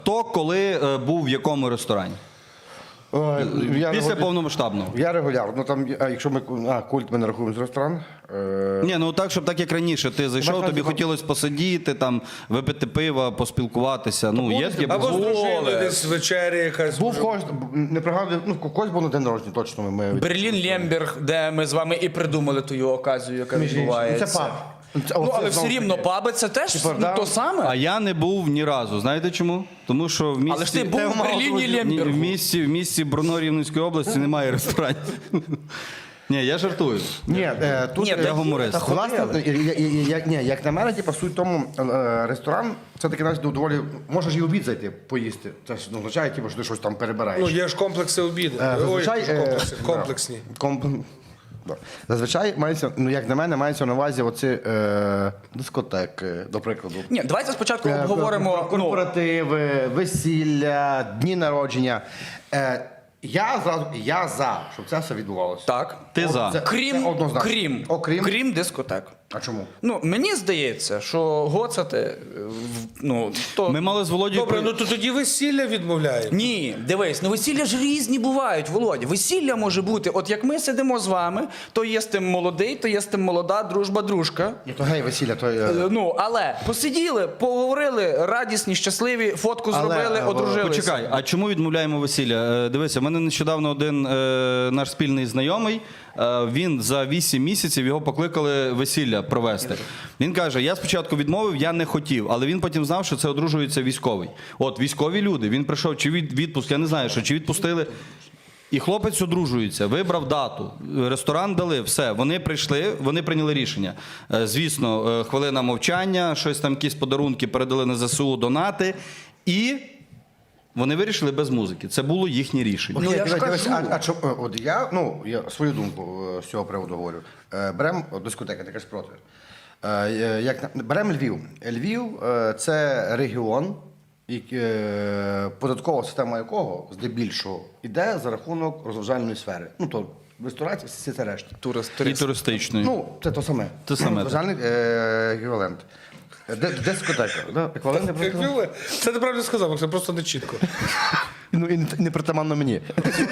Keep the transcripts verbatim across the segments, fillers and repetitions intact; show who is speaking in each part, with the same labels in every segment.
Speaker 1: Хто коли е, був в якому ресторані?
Speaker 2: Е, я
Speaker 1: Після
Speaker 2: регу-
Speaker 1: повномасштабного.
Speaker 2: Я регулярно. Ну, там, а якщо ми а, культ ми не рахуємо з ресторан. Е,
Speaker 1: Ні, ну так, щоб так як раніше. Ти зайшов,
Speaker 2: Бачиш,
Speaker 1: тобі
Speaker 2: там-
Speaker 1: хотілося посидіти, там, випити пива, поспілкуватися. Ну, є таке.
Speaker 3: Або з
Speaker 1: було.
Speaker 3: дружиною десь вечері якась.
Speaker 2: був когось, не пригадую, ну, когось був на день народження, точно ми. ми
Speaker 4: Берлін Лемберг, де ми з вами і придумали ту оказію, яка
Speaker 2: Між іншим.
Speaker 4: відбувається.
Speaker 2: Це паб. Це-
Speaker 4: Ну,
Speaker 2: оце
Speaker 4: але все
Speaker 2: знову ж
Speaker 4: рівно
Speaker 2: таки.
Speaker 4: паби це теж
Speaker 2: Типа,
Speaker 4: ну,
Speaker 2: да.
Speaker 4: то саме.
Speaker 1: А я не був ні разу. Знаєте чому? Тому що в місті...
Speaker 4: Але ж ти був
Speaker 2: Те
Speaker 4: в
Speaker 2: мало
Speaker 4: Берліні
Speaker 2: друзів.
Speaker 1: Ні,
Speaker 4: Лембергу.
Speaker 1: в місті, в місті Брно Рівненської області немає ресторанів. Ні, я жартую.
Speaker 2: Ні, е, тут
Speaker 4: Ні,
Speaker 2: е,
Speaker 4: я
Speaker 1: гуморист.
Speaker 2: та, власне, я- я- я- я- ні, як на мене, типу, суть в тому, е, ресторан, це таки навіть доволі, можеш і обід зайти, поїсти. Це ж ну, означає, типу, що ти щось там перебираєш.
Speaker 3: Ну, є ж комплекси обіду.
Speaker 2: Е,
Speaker 3: Ой,
Speaker 2: зазвичай,
Speaker 3: ж
Speaker 2: е,
Speaker 3: комплекси,
Speaker 2: да.
Speaker 3: комплексні.
Speaker 2: Комп- да. Зазвичай мається, ну як на мене, мається на увазі оці е, дискотеки, до прикладу.
Speaker 4: Ні, давайте спочатку
Speaker 2: Е,
Speaker 4: обговоримо. Ну,
Speaker 2: корпоративи, весілля, дні народження. Е, я зразу я за, щоб це все відбувалося.
Speaker 4: так.
Speaker 1: Ти
Speaker 2: О,
Speaker 1: за.
Speaker 2: це-
Speaker 4: Крім,
Speaker 2: це однозначно.
Speaker 4: крім,
Speaker 2: Окрім.
Speaker 4: крім дискотек.
Speaker 2: А чому?
Speaker 4: Ну, мені здається, що гоцати, е, в- ну, то...
Speaker 1: Ми мали з Володією...
Speaker 3: Добре,
Speaker 1: при-
Speaker 3: ну то тоді весілля відмовляємо.
Speaker 4: Ні, дивись, ну весілля ж різні бувають, Володя. Весілля може бути, от як ми сидимо з вами, то є з тим молодий, то є з тим молода, дружба, дружка.
Speaker 2: Ні, то гей, весілля, то...
Speaker 4: Е,
Speaker 2: Е,
Speaker 4: Ну, але посиділи, поговорили, радісні, щасливі, фотку
Speaker 2: Але,
Speaker 4: зробили,
Speaker 2: е,
Speaker 4: одружилися.
Speaker 1: Почекай, а чому відмовляємо весілля? Е, Дивися, в мене нещодавно один е, наш спільний знайомий, е, він за вісім місяців його покликали весілля провести. Він каже, я спочатку відмовив, я не хотів, але він потім знав, що це одружується військовий. От, військові люди, він прийшов, чи від відпуск, я не знаю, що, чи відпустили. І хлопець одружується, вибрав дату, ресторан дали, все, вони прийшли, вони прийняли рішення. Е, Звісно, е, хвилина мовчання, щось там, якісь подарунки передали на ЗСУ, донати, і вони вирішили без музики. Це було їхнє рішення.
Speaker 4: Ну,
Speaker 2: окей,
Speaker 4: я ж
Speaker 2: дивись,
Speaker 4: кажу.
Speaker 2: дивись, а, а чо- е, от я, ну, я свою думку е, з цього приводу говорю. Е, Берем от, дискотека, ти кажеш проти. Е, е, як, на- берем Львів. Львів е, – це регіон, і, е, податкова система якого здебільшого йде за рахунок розважальної сфери. Ну, то ресторації, всі це решта.
Speaker 1: І туристичної.
Speaker 2: Ну, це то саме.
Speaker 1: Те саме, так.
Speaker 2: Розважальний е, еквівалент. Де, дискотека. Да? Еквівалент, я просто сказав?
Speaker 3: Як ви? Це ти правильно сказав, це просто не чітко.
Speaker 2: Ну, і не, не притаманно мені.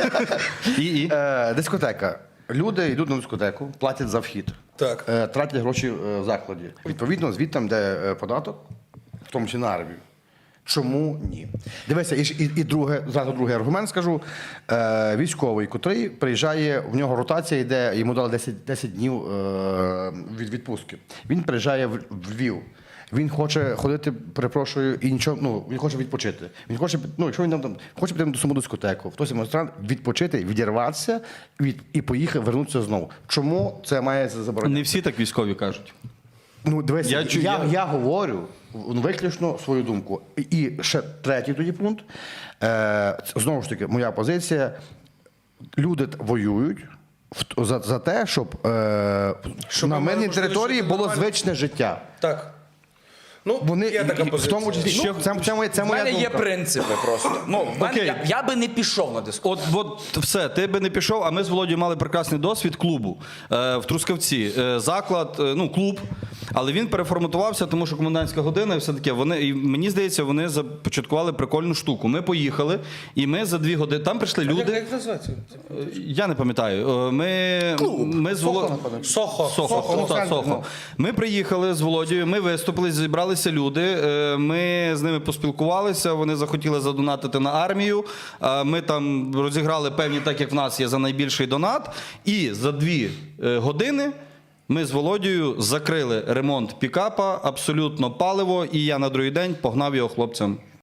Speaker 1: І, і?
Speaker 2: Е, дискотека. Люди йдуть на дискотеку, платять за вхід,
Speaker 3: Так.
Speaker 2: е, тратять гроші е, в закладі. Відповідно, звідти де е, податок, в тому числі на армію. Чому ні? Дивися, і, ж- і, і друге, зразу другий аргумент скажу. Е, військовий, котрий приїжджає, в нього ротація йде, йому дали десять, десять днів е, від відпустки. Він приїжджає в, в Львів. Він хоче ходити, перепрошую, і нічого, ну, він хоче відпочити. Він хоче, ну, якщо він там хоче піти на саму дискотеку, в той самий ресторан, відпочити, відірватися від, і поїхати, вернутися знову. Чому це має заборонити?
Speaker 1: Не всі так військові кажуть.
Speaker 2: Ну, дивися,
Speaker 1: Я
Speaker 2: я,
Speaker 1: чу-
Speaker 2: я,
Speaker 1: я-
Speaker 2: говорю ну, виключно свою думку. І, і ще третій тоді пункт. Е, знову ж таки, моя позиція. Люди т- воюють в- за, за те, щоб, е,
Speaker 3: Щоб
Speaker 2: на
Speaker 3: ми мали
Speaker 2: мирній
Speaker 3: можливість
Speaker 2: території
Speaker 3: жити
Speaker 2: було
Speaker 3: нормально.
Speaker 2: звичне життя.
Speaker 3: Так. Ну,
Speaker 2: Вони,
Speaker 3: є така
Speaker 2: і- і в
Speaker 3: позиція.
Speaker 2: тому числі,
Speaker 1: Ще-
Speaker 2: ну, це, це, моя, це
Speaker 4: У
Speaker 2: моя
Speaker 4: мене є
Speaker 2: думка.
Speaker 4: принципи просто. Ну, в мене,
Speaker 1: Окей.
Speaker 4: я, я би не пішов на дискотеку.
Speaker 1: От, от все, ти би не пішов, а ми з Володією мали прекрасний досвід клубу е, в Трускавці. Е, заклад, е, ну, клуб, але він переформатувався, тому що комендантська година і все таке. Вони, і мені здається, вони започаткували прикольну штуку. Ми поїхали, і ми за дві години, там прийшли
Speaker 3: Як,
Speaker 1: люди,
Speaker 3: як називається?
Speaker 1: я не пам'ятаю, Е, ми, ми з
Speaker 2: Сохо,
Speaker 1: Володією...
Speaker 2: напевно.
Speaker 3: Сохо.
Speaker 1: Сохо,
Speaker 2: Сохо, ну,
Speaker 1: Сохо,
Speaker 2: це-
Speaker 1: Сохо.
Speaker 2: ну.
Speaker 1: Ми приїхали з Володією, ми виступили, зібралися люди, е, ми з ними поспілкувалися, вони захотіли задонатити на армію, е, ми там розіграли певні, так як в нас є за найбільший донат, і за дві е, години ми з Володією закрили ремонт пікапа, абсолютно паливо, і я на другий день погнав його хлопцям